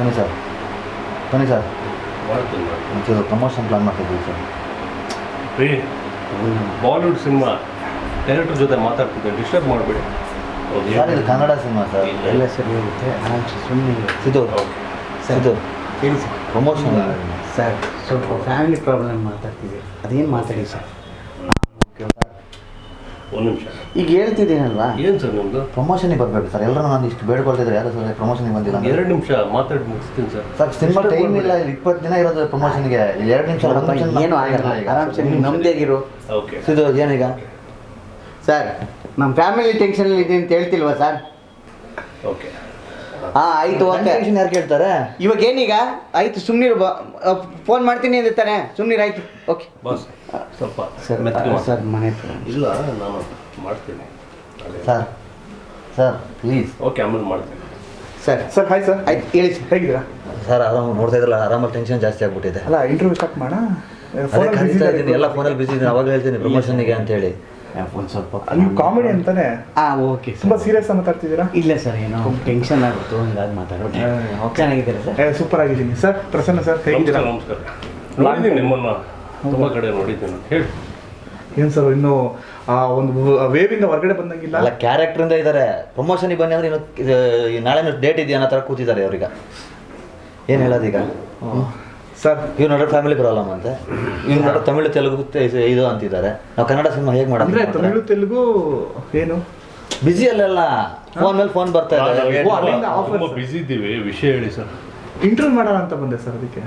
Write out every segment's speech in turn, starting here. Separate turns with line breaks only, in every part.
ಬನ್ನಿ ಸರ್
ಮಾಡ್ತೀನಿ
ಒಂಚೂರು ಪ್ರಮೋಷನ್ ಪ್ಲಾನ್ ಮಾಡ್ತಿದ್ದೀವಿ ಸರ್.
ರೀ ಬಾಲಿವುಡ್ ಸಿನಿಮಾ ಡೈರೆಕ್ಟರ್ ಜೊತೆ ಮಾತಾಡ್ತಿದ್ದೆ, ಡಿಸ್ಟರ್ಬ್ ಮಾಡಬೇಡಿ.
ಸರ್ ಇದು ಕನ್ನಡ ಸಿನಿಮಾ ಸರ್.
ಎಲ್ಲ ಸರಿ ಹೋಗುತ್ತೆ. ಸುಮ್ಮನೆ
ಸಿದ್ದು ಸಿದ್ದು
ಹೇಳಿ ಸರ್.
ಪ್ರಮೋಷನ್
ಸರ್ ಸ್ವಲ್ಪ ಫ್ಯಾಮಿಲಿ ಪ್ರಾಬ್ಲಮ್ ಮಾತಾಡ್ತೀವಿ, ಅದೇನು ಮಾತಾಡಿ ಸರ್.
ಒಂದು ನಿಮಿಷ
ಈಗ ಹೇಳ್ತಿದ್ದೀನಲ್ವಾ.
ಏನು ಸರ್ ನಿಮ್ಮದು?
ಪ್ರಮೋಷನಿಗೆ ಬರಬೇಕು ಸರ್. ಎಲ್ಲರೂ ನಾನು ಇಷ್ಟು ಬೇಡ್ಕೊಳ್ತಿದ್ರೆ ಯಾರು ಸರ್ ಪ್ರಮೋಷನಿಗೆ ಬಂದಿಲ್ಲ.
2 ನಿಮಿಷ ಮಾತಾಡಿ ಮುಗಿಸ್ತೀನಿ ಸರ್.
ಸರ್ ಸಿನಿಮಾ ಟೈಮ್ ಇಲ್ಲ, 20 ದಿನ ಇರೋದು ಪ್ರಮೋಷನ್ಗೆ. 2 ನಿಮಿಷ
ಏನು ಆಗಲ್ಲ, ಆರಾಮ್ಸೆ ನೀವು ನಮ್ಮದೇಗಿರು.
ಓಕೆ
ಸಿದ್ದು ಏನೀಗ
ಸರ್ ನಮ್ಮ ಫ್ಯಾಮಿಲಿ ಟೆನ್ಷನ್ ಇದೆ ಅಂತ ಹೇಳ್ತಿಲ್ವಾ ಸರ್?
ಓಕೆ
ಹಾಂ ಆಯಿತು, ಓಕೆ.
ಟೆನ್ಷನ್ ಯಾರು ಕೇಳ್ತಾರೆ?
ಇವಾಗ ಏನೀಗ ಆಯಿತು, ಸುಮ್ಮನಿರು. ಫೋನ್ ಮಾಡ್ತೀನಿ ಅಂತ ತಾನೆ, ಸುಮ್ಮನಿರು. ಆಯಿತು, ಓಕೆ
ಬಾಸ್ ಸ್ವಲ್ಪ
ಸರ್.
ಮೆತ್ತಗೆ
ಸರ್ ಮನೆ
ಇಲ್ಲ ನಾನು ಮಾಡ್ತೀನಿ
ಸರ್ ಸರ್ ಪ್ಲೀಸ್.
ಓಕೆ ಆಮೇಲೆ ಮಾಡ್ತೀನಿ
ಸರ್.
Sir hi sir.
ಆಯ್ತು ಹೇಳಿ ಸರ್.
ಹೇಗಿದ್ದೀರಾ?
ಸರ್ ಆರಾಮ ನೋಡ್ತಾ ಇದ್ರಲ್ಲ, ಆರಾಮಲ್ಲಿ ಟೆನ್ಷನ್ ಜಾಸ್ತಿ ಆಗ್ಬಿಟ್ಟಿದೆ.
ಅಲ್ಲ ಇಂಟರ್ವ್ಯೂ ಸ್ಟಾರ್ಟ್ ಮಾಡೋಣ.
ಅದೇ ಕರೀತಾ ಇದ್ದೀನಿ, ಎಲ್ಲ ಫೋನಲ್ಲಿ ಬಿಸಿ ಇದ್ದೀನಿ. ಅವಾಗ ಹೇಳ್ತೀನಿ ಪ್ರಮೋಷನ್ಗೆ ಅಂತೇಳಿ.
ಒಂದು ಸ್ವಲ್ಪ
ನೀವು ಕಾಮಿಡಿ ಅಂತಾನೆ
ಓಕೆ
ತುಂಬಾ ಸೀರಿಯಸ್ ಆಗಿ ಮಾತಾಡ್ತಿದ್ದೀರಾ?
ಇಲ್ಲ ಸರ್, ಏನೋ ಟೆನ್ಷನ್ ಆಗುತ್ತೋ ಹಂಗಾಗಿ ಮಾತಾಡೋಣ. ಚೆನ್ನಾಗಿದ್ದೀರಾ ಸರ್?
ಸೂಪರ್ ಆಗಿದ್ದೀನಿ ಸರ್. ಪ್ರಸನ್ನ ಸರ್ ಹೇಗಿದ್ದೀರಾ?
ನಮಸ್ಕಾರ. ನೋಡಿದ್ದೀನಿ ನಿಮ್ಮನ್ನ ತುಂಬ ಕಡೆ ನೋಡಿದ್ದೀನಿ. ಹೇಳಿ
ಏನು ಸರ್ ಇನ್ನೂ ಒಂದು ವೇವಿಂದ ಹೊರಗಡೆ ಬಂದಂಗಿಲ್ಲ.
ಅಲ್ಲ ಕ್ಯಾರೆಕ್ಟ್ರಿಂದ ಇದ್ದಾರೆ. ಪ್ರಮೋಷನಿಗೆ ಬನ್ನಿ ಅಂದ್ರೆ ಇನ್ನು ನಾಳೆ ಡೇಟ್ ಇದೆಯಾ ಅನ್ನೋ ಥರ ಕೂತಿದ್ದಾರೆ ಅವ್ರೀಗ. ಏನು ಹೇಳೋದೀಗ?
ಸರ್
ಇವ್ರು ನೋಡ್ರೆ ಫ್ಯಾಮಿಲಿ ಪ್ರಾಬ್ಲಮ್ ಅಂತೆ, ಇವ್ರು ನೋಡ್ರೆ ತಮಿಳು ತೆಲುಗು ಇದು ಅಂತಿದ್ದಾರೆ. ನಾವು ಕನ್ನಡ ಸಿನಿಮಾ ಹೇಗೆ
ಅಂದ್ರೆ
ಮಾಡೋದು?
ತಮಿಳು ತೆಲುಗು ಏನು
ಬಿಸಿ ಅಲ್ಲೆಲ್ಲ ಫೋನ್ ಮೇಲೆ ಫೋನ್ ಬರ್ತಾ ಇದೆ.
ಅಲ್ಲಿಂದ offer
ತುಂಬ
ಸರ್.
ಬ್ಯುಸಿ ಇದ್ದೀವಿ. ವಿಷಯ ಹೇಳಿ ಸರ್.
ಇಂಟರ್ವ್ಯೂ ಮಾಡೋಣ ಅಂತ ಬಂದೆ ಸರ್. ಅದಕ್ಕೆ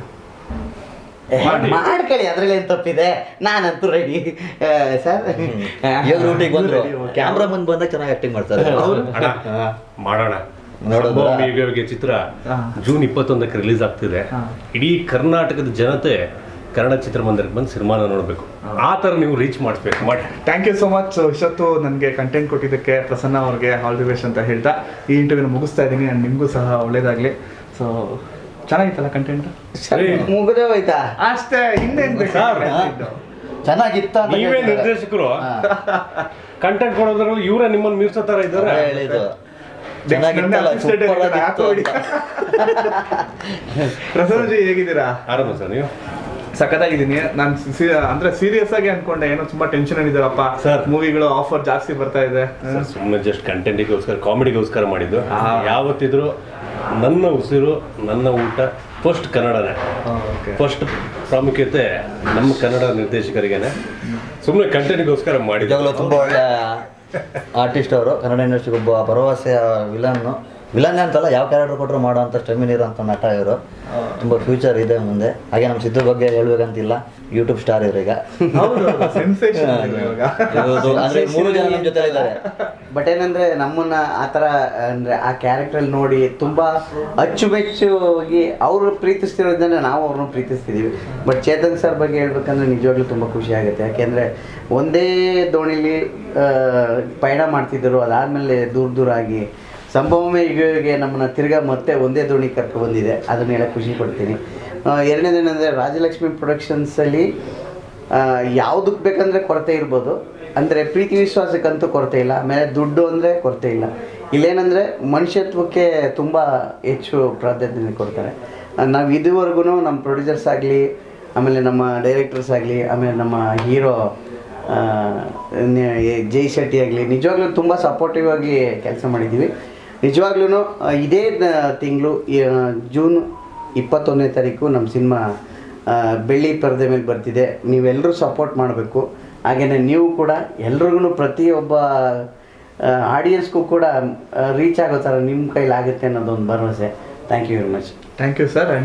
ಮಾಡ್ಕೊಳ್ಳಿ, ಅದ್ರಲ್ಲಿ ಏನು ತಪ್ಪಿದೆ. ನಾನಂತೂ ರೆಡಿ ಸರ್.
ಇವಾಗ ರೂಟಿಗೆ ಬಂದ್ರು,
Okay.
ಕ್ಯಾಮ್ರಾ ಮುಂದೆ ಬಂದಾಗ ಚೆನ್ನಾಗಿ ಆಕ್ಟಿಂಗ್ ಮಾಡ್ತಾರೆ.
ಅಣ್ಣ ಮಾಡೋಣ.
ನೋಡೋದು
ಸಂಭವ ಚಿತ್ರ
ಹಾ.
ಜೂನ್ 21ಕ್ಕೆ ರಿಲೀಸ್ ಆಗ್ತಿದೆ.
ಹಾ.
ಇಡೀ ಕರ್ನಾಟಕದ ಜನತೆ ಕನ್ನಡ ಚಿತ್ರಮಂದಿರಕ್ಕೆ ಬಂದು ಸಿನಿಮಾನ ನೋಡಬೇಕು. ಆ ಥರ ನೀವು ರೀಚ್ ಮಾಡಿಸ್ಬೇಕು. ಮಾಡಿ.
Thank you so much. ಇಷ್ಟೊತ್ತು ನನಗೆ ಕಂಟೆಂಟ್ ಕೊಟ್ಟಿದ್ದಕ್ಕೆ ಪ್ರಸನ್ನ ಅವ್ರಿಗೆ ಆಲ್ ದಿ ಬೆಸ್ಟ್ ಅಂತ ಹೇಳ್ತಾ ಈ ಇಂಟರ್ವ್ಯೂನ ಮುಗಿಸ್ತಾ ಇದ್ದೀನಿ. ನಾನು ನಿಮಗೂ ಸಹ ಒಳ್ಳೇದಾಗಲಿ. So ಚೆನ್ನಾಗಿತ್ತಲ್ಲ content?
ಮುಗಿದೇ ಹೋಯ್ತಾ?
ಅಷ್ಟೇ, ಇನ್ನೇನು ಬೇಕು?
ಸರ್,
ಚೆನ್ನಾಗಿತ್ತ ಅಂತ
ನೀವೇ
ಕೇಳ್ತಿದ್ದಾರೆ.
ನಿರ್ದೇಶಕರು ಕಂಟೆಂಟ್ ಕೊಡೋದ್ರಲ್ಲಿ ಇವರೇ ನಿಮ್ಮನ್ನು ಮೀರ್ಸೋ ಥರ ಇದ್ದಾರೆ.
ಅದೇ ಹೇಳಿದ್ದು. ಚೆನ್ನಾಗಿತ್ತಲ್ಲ,
assistant
ಸೂಪರ್
director
ಆಗಿತ್ತು
ಹಾಕೋಡಿ.
ಅಂತ.
ಪ್ರಸನ್ನಜಿ ಹೇಗಿದ್ದೀರಾ?
ಆರಾಮ ಸರ್ ನೀವು?
ಸಖತ್ತಾಗಿದ್ದೀನಿ. ನಾನು ಅಂದ್ರೆ ಸೀರಿಯಸ್ ಆಗಿ ಅನ್ಕೊಂಡೆ, ಏನೋ ತುಂಬಾ ಟೆನ್ಷನ್ ಆಗಿದ್ದಾರಪ್ಪ
ಸರ್.
ಮೂವಿಗಳು ಆಫರ್ ಜಾಸ್ತಿ ಬರ್ತಾ ಇದೆ.
ಸುಮ್ಮನೆ ಜಸ್ಟ್ ಕಂಟೆಂಟಿಗೋಸ್ಕರ, ಕಾಮಿಡಿಗೋಸ್ಕರ ಮಾಡಿದ್ದು. ಯಾವತ್ತಿದ್ರು ನನ್ನ ಉಸಿರು ನನ್ನ ಊಟ ಫಸ್ಟ್ ಕನ್ನಡನೇ. ಫಸ್ಟ್ ಪ್ರಾಮುಖ್ಯತೆ ನಮ್ಮ ಕನ್ನಡ ನಿರ್ದೇಶಕರಿಗೇನೆ. ಸುಮ್ಮನೆ ಕಂಟೆಂಟ್ಗೋಸ್ಕರ ಮಾಡಿದ್ದು.
ನಿಜವಾಗ್ಲೂ ತುಂಬ ಒಳ್ಳೆ ಆರ್ಟಿಸ್ಟ್ ಅವರು. ಕನ್ನಡ ಇಂಡಸ್ಟ್ರಿಗೆ ಒಬ್ಬ ಭರವಸೆಯ ವಿಲನ್ ಅಂತಲ್ಲ, ಯಾವ ಕ್ಯಾರೆಕ್ಟರ್ ಕೊಟ್ಟರು ಮಾಡೋ ಅಂತ ಸ್ಟೆಮಿನ್ ಇರೋಂಥ ನಟ ಇವರು. ತುಂಬ ಫ್ಯೂಚರ್ ಇದೆ ಮುಂದೆ. ಹಾಗೆ ನಮ್ಮ ಸಿದ್ದು ಬಗ್ಗೆ ಹೇಳ್ಬೇಕಂತಿಲ್ಲ, ಯೂಟ್ಯೂಬ್ ಸ್ಟಾರ್ ಇವ್ರೀಗ.
ಸೆನ್ಸೇಷನ್
ಅಂದ್ರೆ 3 ಜನ ನಮ್ಮ ಜೊತೆ ಇದ್ದಾರೆ.
ಬಟ್ ಏನಂದ್ರೆ ನಮ್ಮನ್ನ ಆ ಥರ ಅಂದ್ರೆ ಆ ಕ್ಯಾರೆಕ್ಟ್ರಲ್ಲಿ ನೋಡಿ ತುಂಬಾ ಅಚ್ಚುಮೆಚ್ಚುವಾಗಿ ಅವರು ಪ್ರೀತಿಸ್ತಿರೋದನ್ನ ನಾವು ಅವ್ರನ್ನ ಪ್ರೀತಿಸ್ತಿದ್ದೀವಿ. ಬಟ್ ಚೇತನ್ ಸರ್ ಬಗ್ಗೆ ಹೇಳ್ಬೇಕಂದ್ರೆ ನಿಜವಾಗ್ಲೂ ತುಂಬ ಖುಷಿ ಆಗುತ್ತೆ. ಯಾಕೆಂದರೆ ಒಂದೇ ದೋಣಿಲಿ ಪಯಣ ಮಾಡ್ತಿದ್ದರು, ಅದಾದಮೇಲೆ ದೂರ ಆಗಿ ಸಂಭವಮೇ ಈಗ ನಮ್ಮನ್ನು ತಿರ್ಗಾ ಮತ್ತೆ ಒಂದೇ ದೋಣಿ ಕರ್ಕೊ ಬಂದಿದೆ. ಅದನ್ನ ಹೇಳಕ್ಕೆ ಖುಷಿ ಪಡ್ತೀನಿ. ಎರಡನೇದೇನೆಂದರೆ ರಾಜಲಕ್ಷ್ಮಿ ಪ್ರೊಡಕ್ಷನ್ಸಲ್ಲಿ ಯಾವುದಕ್ಕೆ ಬೇಕಂದರೆ ಕೊರತೆ ಇರ್ಬೋದು, ಅಂದರೆ ಪ್ರೀತಿ ವಿಶ್ವಾಸಕ್ಕಂತೂ ಕೊರತೆ ಇಲ್ಲ. ಆಮೇಲೆ ದುಡ್ಡು ಅಂದರೆ ಕೊರತೆ ಇಲ್ಲ. ಇಲ್ಲೇನೆಂದರೆ ಮನುಷ್ಯತ್ವಕ್ಕೆ ತುಂಬ ಹೆಚ್ಚು ಪ್ರಾಧಾನ್ಯತೆ ಕೊಡ್ತಾರೆ. ನಾವು ಇದುವರೆಗೂ ನಮ್ಮ ಪ್ರೊಡ್ಯೂಸರ್ಸ್ ಆಗಲಿ, ಆಮೇಲೆ ನಮ್ಮ ಡೈರೆಕ್ಟರ್ಸ್ ಆಗಲಿ, ಆಮೇಲೆ ನಮ್ಮ ಹೀರೋ ಜೈ ಶೆಟ್ಟಿ ಆಗಲಿ ನಿಜವಾಗ್ಲೂ ತುಂಬ ಸಪೋರ್ಟಿವ್ ಆಗಿ ಕೆಲಸ ಮಾಡಿದ್ದೀವಿ. ನಿಜವಾಗ್ಲೂ ಇದೇ ತಿಂಗಳು ಜೂನ್ 21ನೇ ತಾರೀಕು ನಮ್ಮ ಸಿನಿಮಾ ಬೆಳ್ಳಿ ಪರದೆ ಮೇಲೆ ಬರ್ತಿದೆ. ನೀವೆಲ್ಲರೂ ಸಪೋರ್ಟ್ ಮಾಡಬೇಕು. ಹಾಗೆಯೇ ನೀವು ಕೂಡ ಎಲ್ರಿಗೂ ಪ್ರತಿಯೊಬ್ಬ ಆಡಿಯನ್ಸ್ಗೂ ಕೂಡ ರೀಚ್ ಆಗೋ ಥರ ನಿಮ್ಮ ಕೈಲಾಗುತ್ತೆ ಅನ್ನೋದೊಂದು ಭರವಸೆ. Thank you very much.
Thank you sir.